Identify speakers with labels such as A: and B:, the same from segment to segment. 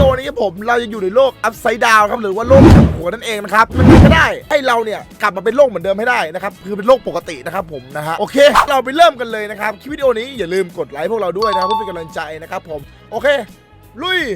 A: โอนี้ผมเราจะอยู่ในโลกอัพไซด์ดาวครับหรือว่าโลกกลับหัวนั่นเองนะครับมันก็ได้ให้เราเนี่ยกลับมาเป็นโลกเหมือนเดิมให้ได้นะครับคือเป็นโลกปกตินะครับผมนะฮะโอเคเราไปเริ่มกันเลยนะครับคลิปวิดีโอนี้อย่าลืมกดไลค์พวกเราด้วยนะครับเพื่อเป็นกำลังใจนะครับผมโอเคลุย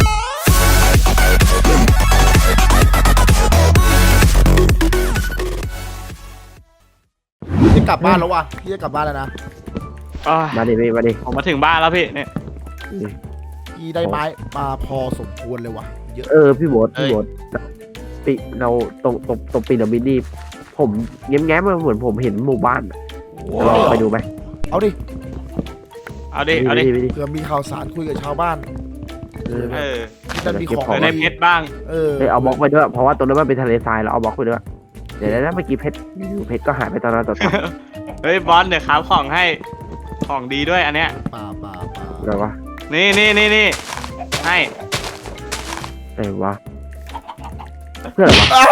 A: พี่กลับบ้านแล้ววะพี่จะกลับบ้านแล้วนะ
B: มาดิพี่มาดิ
C: ผมมาถึงบ้านแล้วพี่เนี่ย
A: พี่ได้ไม้มาพอสมควรเลยวะเยอะ
B: พี่โบ๊ทปีเราตรงปีระมิดนี่ผมแง้มๆมาเหมือนผมเห็นหมู่บ้านลองไปดูไหม
A: เอาดิ
C: เอาดิ
A: เผื่อมีข่าวสารคุยกับชาวบ้าน ที่จะมีของ
C: เดี๋ยวได้เพชรบ้าง
B: เอาบล็อกไปด้วยเพราะว่าตรงนั้นมันเป็นทะเลทรายเราเอาบล็อกไปด้วยเดี๋ยวนะเมื่อกี้เพชรก็หายไปตอนนั้นต่อ
C: เฮ้ยบอลเดี๋ยวขาวของให้ของดีด้วยอันเนี้ย
A: ป่า
B: อะไรวะ
C: นี่ให้
B: อะไรวะเพื่ออะไรวะ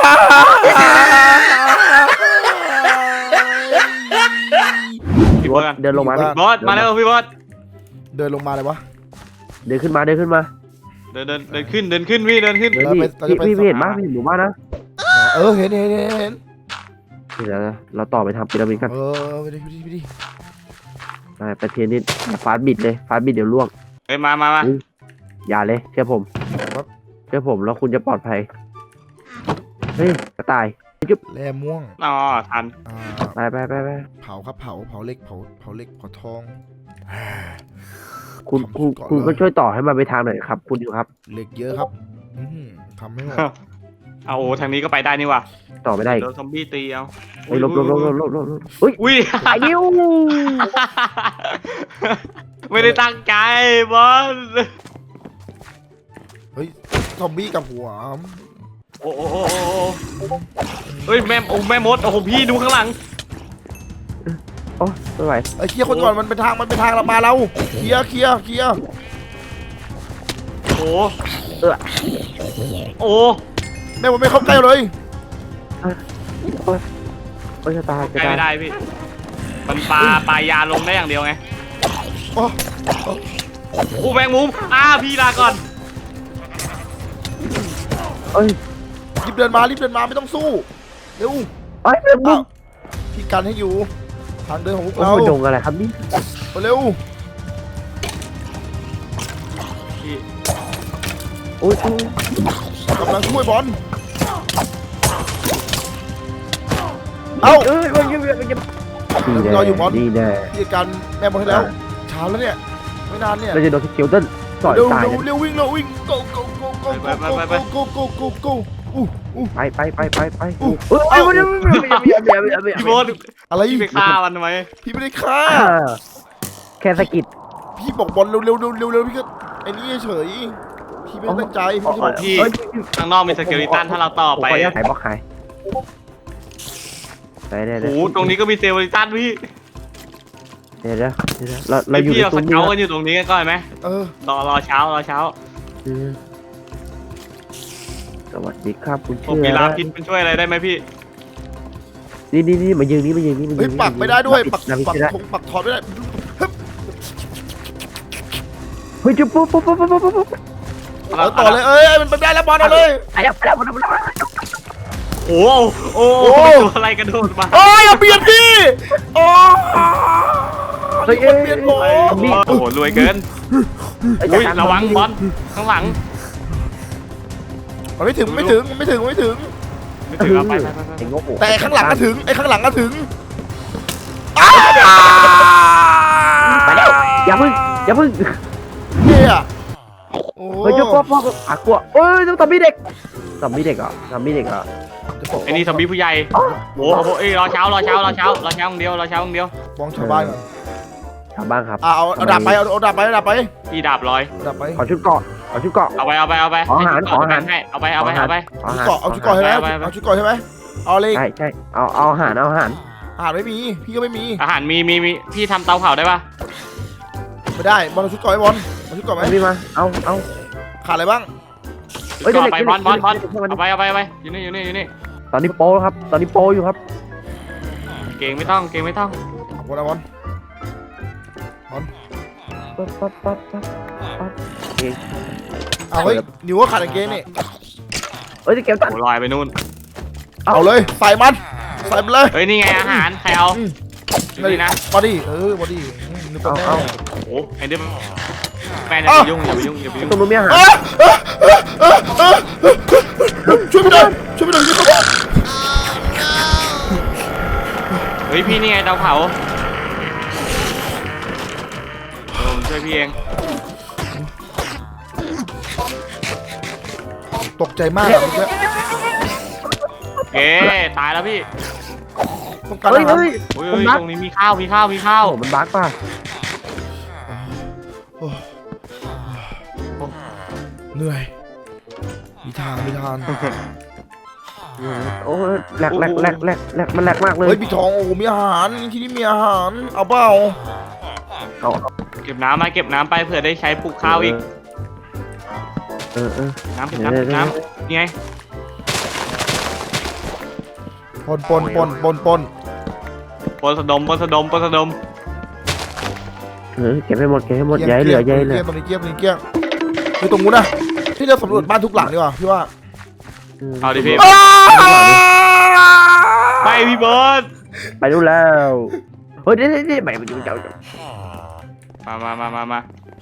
C: พี่บอส
B: เดินลงมา
C: บอสมาแล้วพี่บอส
A: เดินลงมาเลยวะ
B: เดินขึ้นมา
C: เดินขึ้นพี่เดินขึ้น
B: พี่เห็นบ้างพี่เห็นหมู่บ้านนะ
A: เห็น
B: เดี๋ยวเราต่อไปทำพีระมิดกัน
A: ไปดิ
B: ไปเทียนนิดฟาสบิดเลยฟาสบิดเดี๋ยวล่วง
C: เฮ้ยมา
B: อย่าเลยเชื่อผมแล้วคุณจะปลอดภัยเฮ้ยกระต่าย
A: แร่ม่วง
C: อ๋อทัน
B: ไป
A: เผาครับเผาเหล็กเผาทอง
B: คุณก็ช่วยต่อให้มันไปทางหน่อยครับ คุณอยู่ครับ
A: เหล็กเยอะครับทำไม่หมด
C: เอาโอ้ทางนี้ก็ไปได้นี่ว่ะ
B: ต่อไม่ได้
C: โดนซอมบี้ตีเอา
B: เฮ้ยลบอุ้ย
C: อุ้ย
B: อายุ
C: ไม่ได้ตั้งใจบอล
A: เฮ้ยซอมบี้กับหัว
C: โอ้เฮ้ยแม่มดโอ้โหพี่ดูข้างหลัง
B: โอ้ไม่ไหว
A: ไอ้เคลียร์คนก่อนมันเป็นทางเรามาเราเคลียร์
C: โอ้โอ้
A: แม่ผมไม่เข้าใกล้เลย
B: โอ้ยจะตาย
C: ใกล้ไม่ได้พี่มันปลายาลงได้อย่างเดียวไง
A: โอ้
C: โอ้แมงมุมพี่ลาก่อน
B: เอ้ย
A: รีบเดินมาไม่ต้องสู้เร็ว
B: เป็นบุ้ง
A: พี่กันให้อยู่ทางเดินของพวก
B: โอ้
A: เรา
B: โหดงอะไรครับนี่
A: เร็ว
C: พี่
B: โอ้ย
A: กำลังช่วยบอลเอ้า รออยู่บอล
B: ดีแน่
A: พี่กันแม่บอลให้แล้วเช้าแล้วเนี่ยไม่นานเนี่ย
B: เราจะโดนสกิลเต้นต่อย
A: เร็ว
B: ตาย
A: เร็ววิ่งgo
B: ไปเอ้ย
C: พี่โบ๊ท
A: อะไร
C: พี่ไปฆ่ามันทำไม
A: พี่ไม่ได้ฆ่า
B: แค่สกิด
A: พี่บอกบอลเร็วพี่ก็ไอ้นี่เฉยพี่ไม่ได้ตั้งใจพี่ไม่ได้
C: พี่ข้างนอกมีสเกลิตันถ้าเราต่อไป
B: ขายบล็อกขายได้
C: โอ้โหตรงนี้ก็มีสเกลิตันพี่
B: เดี๋ยวเราอยู่
C: พี่
B: ใน
C: เรา
B: ต
C: ส
B: รง
C: เก
B: นี้
C: ลกันอยู่ตรงนี้กันก่อนไหมรอเช้า
B: สวัสดีครับคุณ
C: ผม
B: เชื่
C: มี
B: อ
C: ลาพิษมันช่วยอะไรได้ไหมพี่
B: นี่มายืนนี่
A: เฮ้ยปักไม่ได้ด้วยปัก
B: ได้
A: ถอดไม่ได้
B: เฮ้ยจุ๊บปุ๊บ
A: ต่อเลยมันได้แล้วบอลเอาเลย
B: ไปแล้ว
C: โอ้ตัวอะไรกระโดดมา
A: อย่าเบียดพี่โอ้
B: เฮ้ย
A: เบียดผม
C: โอ้โหรวยเกินอุ้ยระวังบอลข้างหลัง
A: มันไม่ถึง
C: ไม่ถึงเอาไป
A: แต่ข้างหลังก็ถึง
B: ไปแล้วอย่าพึ่ง
A: เนี่ยโอ้
B: เฮ้ยจุ๊บปุ๊บกลัวต้องทำมีเด็กเหรอ
C: ไอ้นี่ซอมบี้ผู้ใหญ่โอ้โหรอเช้าอย่างเดียวบ
A: องชาวบ้าน
B: ชาวบ้านครับ
A: เอาดาบไปเอาดาบไป
C: พี่ดาบลอย
A: ดาบไป
B: ขอชุดเกาะ
C: เอาไปให้เอาไป
A: เอาชุดเกาะใช่ไหมเอาชุดเกาะใช่ไหมเอาเลย
B: ใช่เอาอาหาร
A: อาหารไม่มีพี่ก็ไม่มี
C: อาหารมีพี่ทำเตาเผาได้ปะ
A: ไม่ได้บอลเอาชุดเกาะให้บอลเอาชุดเกาะไหม
B: พี่มาเอา
A: ขาดอะไรบ้าง
C: ก็ไปบอลเอาไปอยู่นี่
B: ตอนนี้โปครับตอนนี้โปอยู่ครับ
C: เก่งไม่ต้อง
A: บอลเอาบอล
B: ปั๊บ
A: เอาเฮ้ยนิวก็ขาดกางเกงนี่
B: เอ้ยจะเก็บตัน
C: โอ้ลอยไปนู่น
A: เอาเลยใส่มันใส่มันเลย
C: เฮ้ยนี่ไงอาหารใครเอานี่นะ
A: บอดี้บอดี้นึกว่าแน่
C: โอ้โหไอ้เด็กแม่อย่าไปยุ่งอย่าไปยุ่งอย่าไปยุ่ง
B: ตรงนู้นมีอาหาร
A: ช่วยไม่ได้ช่วยไม่ได้ช่วยไม่ได้
C: เฮ้ยพี่นี่ไงเตาเผาผมช่วยพี่เอง
A: ตกใจมากอะเมื่อกี้
C: เอ๊ตายแล้วพี่
A: ต้องการ
B: เฮ้ย
A: อาหาร
B: เฮ้ย
C: โอ้ยตรงนี้มีข้าวมีข้าวมีข้าว
B: โอ้มันบั๊กป่ะ
A: เหนื่อยมีทาง
B: โอ้แหลกมันแหลกมากเลย
A: เฮ้ยพี่ทองโอ้โหมีอาหารที่นี่มีอาหารเอาเปล่า
B: เอา
C: เก็บน้ำมาเก็บน้ำไปเผื่อได้ใช้ปลูกข้าวอีก
B: เออ
C: น้ำเก็บน้ำเก็บน้ำนี่ไง
A: ปน
C: ปนสะดม
B: เก็บให้หมดย้ายเหลือ
A: ตรงนี้เกี้ยคือตรงนู้นนะที่เราสำรวจบ้านทุกหลังดีกว่าพี่ว่า
C: เอาดิพี่ไปพี่เบิร์ด
B: ไปดูแล้วเฮ้ยนี่ไปดูเจ้า
C: มา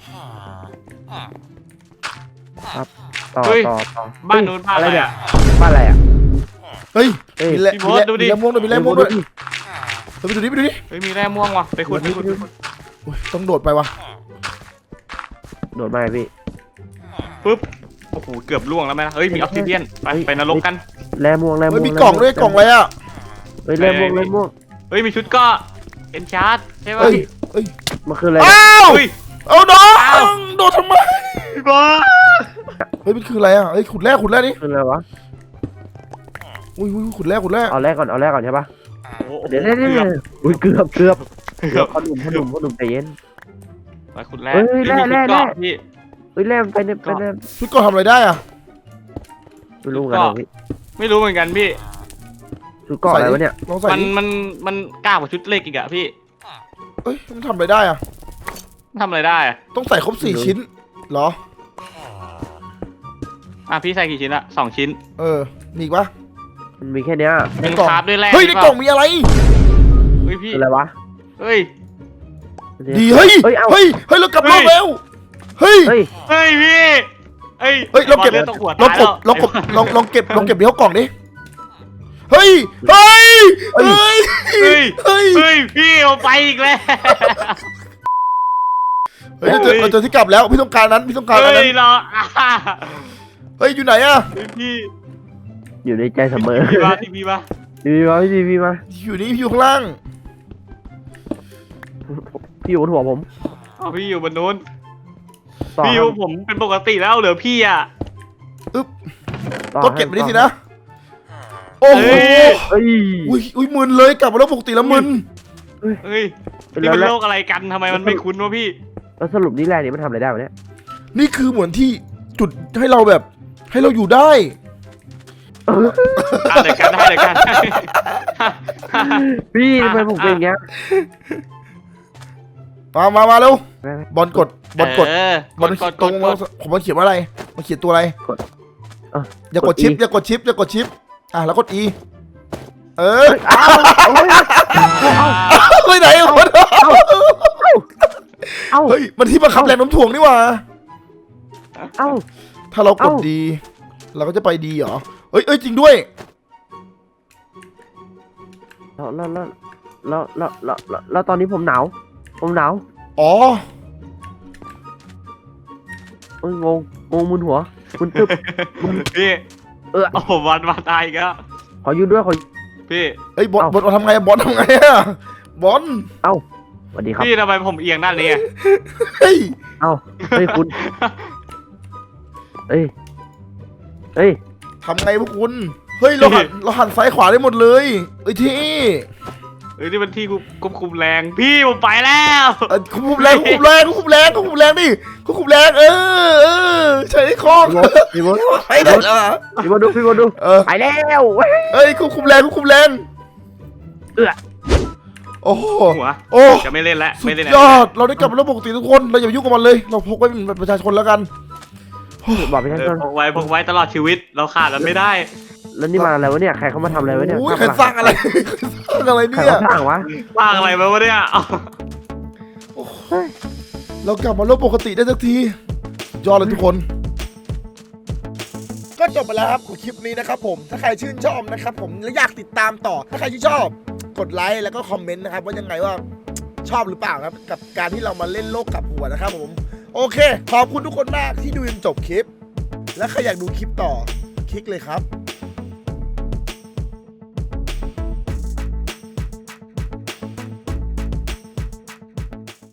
B: ต่อ
C: บ้านนู้นบ้านอะไรอ่ะ
B: บ้านอะไรอ่ะ
A: เฮ้ย
C: พี่โบ๊ทดูดิ
A: มีแร่ม่วงด้วยไปดูดิ
C: เฮ้ยมีแร่ม่วงว่ะไปขุด
A: ต้องโดดไปวะ
B: โดดมาพี่
C: ปึ๊บโอ้โหเกือบล่วงแล้วไหมเฮ้ยมีออกซิเดียนไปนรกกัน
B: แร่ม่วง
A: เฮ้ยมีกล่องด้วยกล่องอะไรอ่ะ
B: เฮ้ยแร่ม่วง
C: เฮ้ยมีชุดก็เอ็นชาร์ดใช่ป่ะ
A: เฮ้ย
B: มันคืออะไร
A: อ้าว
C: เฮ้ย
A: เอาน้องโดดทำไม
C: พี่เบิร์ด
A: เฮ้ยมันคืออะไรอ่ะเฮ้ยขุดแร่นี่
B: คืออะไรวะ
A: อุ้ยขุดแร่
B: เอาแร่ก่อนใช่ปะ
C: โอ้โห
B: เดี๋ยวอุ้ยเกือบพ่อหนุ่มใจเย็น
C: ไปขุดแร่
B: เฮ้ยแร่
C: พี่
B: เฮ้ยแร่ไปเนี่ย
A: พี่ก็ทำอะไรได้อ่ะ
B: ไม่รู้กันพี่
C: ไม่รู้เหมือนกันพี่
B: ชุดเกาะอะไรวะเนี่ย
A: ลองใส่
C: มันกล้ากว่าชุดเล็กอีกอะพี่
A: เฮ้ยมันทำอะไรได้อ่ะ
C: ทำอะไรได้อะ
A: ต้องใส่ครบ4ชิ้นเหรอ
C: พี่ใส่กี่ชิ้นอะ2 ชิ้น
A: มีอีกปะ
B: มันมีแค่เนี้ย
C: เป็นคราฟด้วยแร่
A: เฮ้ยในกล่องมีอะไร
C: เฮ้ยพี่
B: คืออะไรวะ
C: เฮ้ย
A: ดีเฮ้ย
B: เฮ้ยเอา
A: เฮ้ยเรากลับโลกแล้วเฮ้ย
B: เฮ้ย
C: เฮ้ยพี่เฮ้ย
A: เฮ้ยเราเก็บ
C: ลือดตกหัว
A: ลอง
C: ตาย
A: ก
C: แล้ว
A: ดลองเก็บเดี๋ยวกล่องดิเฮ้ยเฮ้ย
C: พี่เอาไปอีกแล้ว
A: เฮ้ยเราเจอที่กลับแล้วพี่ต้องการนั้น
C: เฮ้ยเราอ่า
A: เฮ้ยอยู่ไหนอะ
C: พี่
B: อยู่ในใจเสมอ
C: พี่มาทีวีมา
B: พี่มา
A: อยู่นี่พี่อยู่ข้างล่าง
B: พี่อยู่บนหัวผม
C: เอาพี่อยู่บนนู้นพี่อยู่ผมเป็นปกติแล้วเหลือพี่อ่ะ
A: ก็เก็บไปดิสินะโอ้โห
B: เฮ้ย
A: อุ้ยมึนเลยกลับมาแล้วปกติแล้วมึน
C: เฮ้ยนี่มันโลกอะไรกันทำไมมันไม่คุ้นวะพี่
B: แล้วสรุปนี่แร่นี่มันทำอะไรได้วะเนี่ย
A: นี่คือเหมือนที่จุดให้เราแบบให้เราอยู่ได้
C: เดี๋ยวกันได้
B: พี่ทำไมผมเป็นอย่างเงี้ย
A: มาเร็วบอลกด
C: กด
A: ตรงผมมันเขียนว่าอะไรมันเขียนตัวอะไรอย่ากดชิปอย่ากดชิปแล้วกด E ไปไหนวะเฮ้ยมันที่บังคับแรงโน้มถ่วงนี่หว่า
B: เอ้า
A: ถ้าเรากดดีเราก็จะไปดีเหรอเอ้ยจริงด้วย
B: แล้วตอนนี้ผมหนาว
A: อ๋อ
B: งงมึนหัวมึนตึ๊บ
C: พี่โอ้โหวันมาตายอีกแล้ว
B: ขอยืนด้วย
C: พี่
A: เอ้ยบอลทำไงบอลทำไงอะบอล
B: สวัสดีครับ
C: พี่ทำไมผมเอียงด้านนี้
A: เฮ้ย
B: เฮ้ยคุณเฮ้ย
A: ทำไงพวกคุณเฮ้ยเราหันซ้ายขวาได้หมดเลยเอ้ยที่
C: นี่มันที่ควบคุมแรงพี่ผมไปแล้ว
A: ควบคุมแรงดิควบคุมแรงใช้คล้อง
B: พี่บอล
A: ใช้ได้เหรอ
B: พี่บอลดูไปแล้ว
A: เอ้ยควบคุมแรงโอ้โห
C: หัว
A: โอ้
C: จะไม่เล่นแล้ว
A: สุ
C: ไม่
A: ด
C: เล่น
A: ยอดเราได้กลับมาแล้วปกติทุกคนเราอย่ายุ่งกับมันเลยเราพกไว้เป็นประชาชนแล้วกัน
B: บอกไปชั้นต้น
C: พกไว้ตลอดชีวิตเราขาดมันไม่ได้
B: แล้วนี่มาอะไรวะเนี่ยใครเขามาทำอะไรวะเนี่ย
A: โอ้ยใครสร้างอะไรใครสร้างอะไร
B: ใคร
A: เนี่ย
B: เขาสร้างวะ
C: สร้างอะไรมาวะเนี่ยเอา
A: เรากลับมาโลกปกติได้สักทียอดเลยทุกคน ก็จบไปแล้วครับของคลิปนี้นะครับผมถ้าใครชื่นชอบนะครับผมและอยากติดตามต่อถ้าใครที่ชอบกดไลค์แล้วก็คอมเมนต์นะครับว่ายังไงว่าชอบหรือเปล่าครับกับการที่เรามาเล่นโลกกลับหัวนะครับผมโอเคขอบคุณทุกคนมากที่ดูจนจบคลิป และใครอยากดูคลิปต่อคลิกเลยครับ